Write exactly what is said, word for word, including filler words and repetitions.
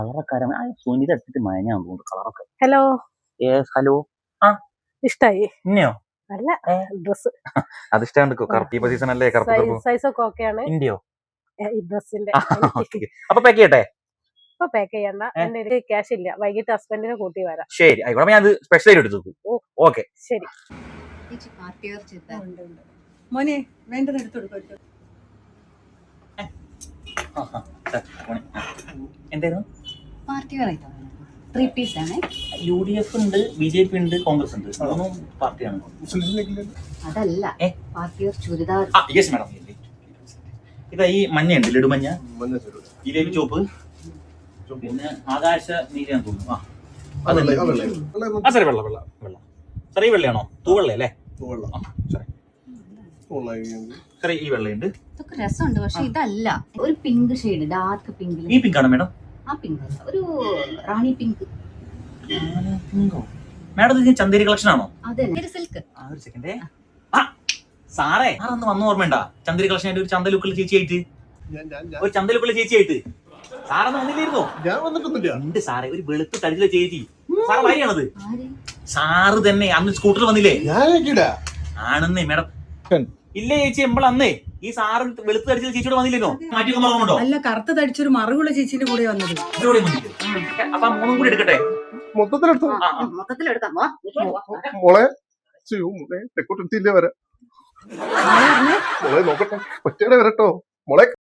കളറൊക്കെ സുനിത എടുത്തിട്ട് മയഞ്ഞാൻ തോന്നുന്നു കളറൊക്കെ. ഹലോ ഹലോ ആ ഇഷ്ടായി ഇന്നയോ അല്ല ഡ്രസ് അത് ഇഷ്ടമാണ്. കറുപ്പ് സീസൺ അല്ലേ? സൈസ് ഒക്കെ ഓക്കെയാണ് ഇന്ത്യയോ ഈ ഡ്രസ്സിന്റെ. അപ്പൊ പാക്ക് ചെയ്യട്ടെ? ഇപ്പൊ പാക്ക് ചെയ്യണ്ട, എന്റെ ക്യാഷ് ഇല്ല, വൈകിട്ട് ഹസ്ബൻഡിനെ കൂട്ടി വരാം. ശരി ആയിക്കോട്ടെ, ഞാൻ സ്പെഷ്യൽ എടുത്തു. ഓക്കെ ശരി. മോനെ വേണ്ടത് എടുത്തു കൊടുക്കും. എന്തായിരുന്നു പാർട്ടി വെറൈറ്റി ത്രീ പീസ് ആണ്. യു ഡി എഫ് ഉണ്ട്, ബി ജെ പി ഉണ്ട്, കോൺഗ്രസ് ഉണ്ട്, മൂന്നും പാർട്ടിയാണ്. അതല്ല പാർട്ടി ചുരിദാർ. Yes madam. ഇതാ ഈ മഞ്ഞയുണ്ട്, ലഡുമഞ്ഞ, ജിലേബി ചോപ്പ്, പിന്നെ ആകാശ നീലയാന്ന് തോന്നുന്നു. ആ സാറേ വെള്ള വെള്ള വെള്ള സാറേ ഈ വെള്ളയാണോ? തൂവെള്ള അല്ലേ? സാറേ ഈ വെള്ളയുണ്ട്. ഇതൊക്കെ രസമുണ്ട്, പക്ഷെ ഇതല്ല. ഒരു പിങ്ക് ഷെയ്ഡ്, ഡാർക്ക് പിങ്ക്. ഈ പിങ്ക് ആണോ മാഡം? ആ പിങ്ക് അല്ല, ഒരു റാണി പിങ്ക്. മാഡം ഇത് ചന്ദേരി കളക്ഷൻ ആണോ? അതെ, സിൽക്ക്. ഒരു സെക്കൻഡേ. ആ സാറേ അതൊന്ന് വന്ന ഓർമ്മയുണ്ട? ചന്ദേരി കളക്ഷൻ ആയിട്ട് ഒരു ചന്ത ലുക്കുള്ള ചേച്ചിയായിട്ട്, ഒരു ചന്ത ലുക്കുള്ള ചേച്ചിയായിട്ട് സാറന്ന് വന്നില്ലായിരുന്നോ? ഉണ്ട് സാറേ, ഒരു വെളുത്ത് തടിച്ചുള്ള ചേച്ചി. സാറ് ഭാര്യയാണത്? സാറ് തന്നെ അന്ന് സ്കൂട്ടറിൽ വന്നില്ലേ? ആണെന്നേ മാഡം. ഇല്ലേ ചേച്ചി, എമ്പോൾ അന്നേ ഈ സാറ് വെളുത്ത് തടിച്ച ചേച്ചിയോട് വന്നില്ലേനോ? മാറ്റി മറന്നുണ്ടോ? അല്ല, കറുത്ത തടിച്ചൊരു മറുകുള്ള ചേച്ചിന്റെ കൂടെ വന്നത്. അപ്പൊ മൂന്നും കൂടി എടുക്കട്ടെ? മൊത്തത്തിലെടുക്കാം. മോളെ തെക്കോട്ടെത്തിയില്ലേ വരാം. മോളെ നോക്കട്ടെ, ഒറ്റയുടെ വരട്ടോ മോളെ.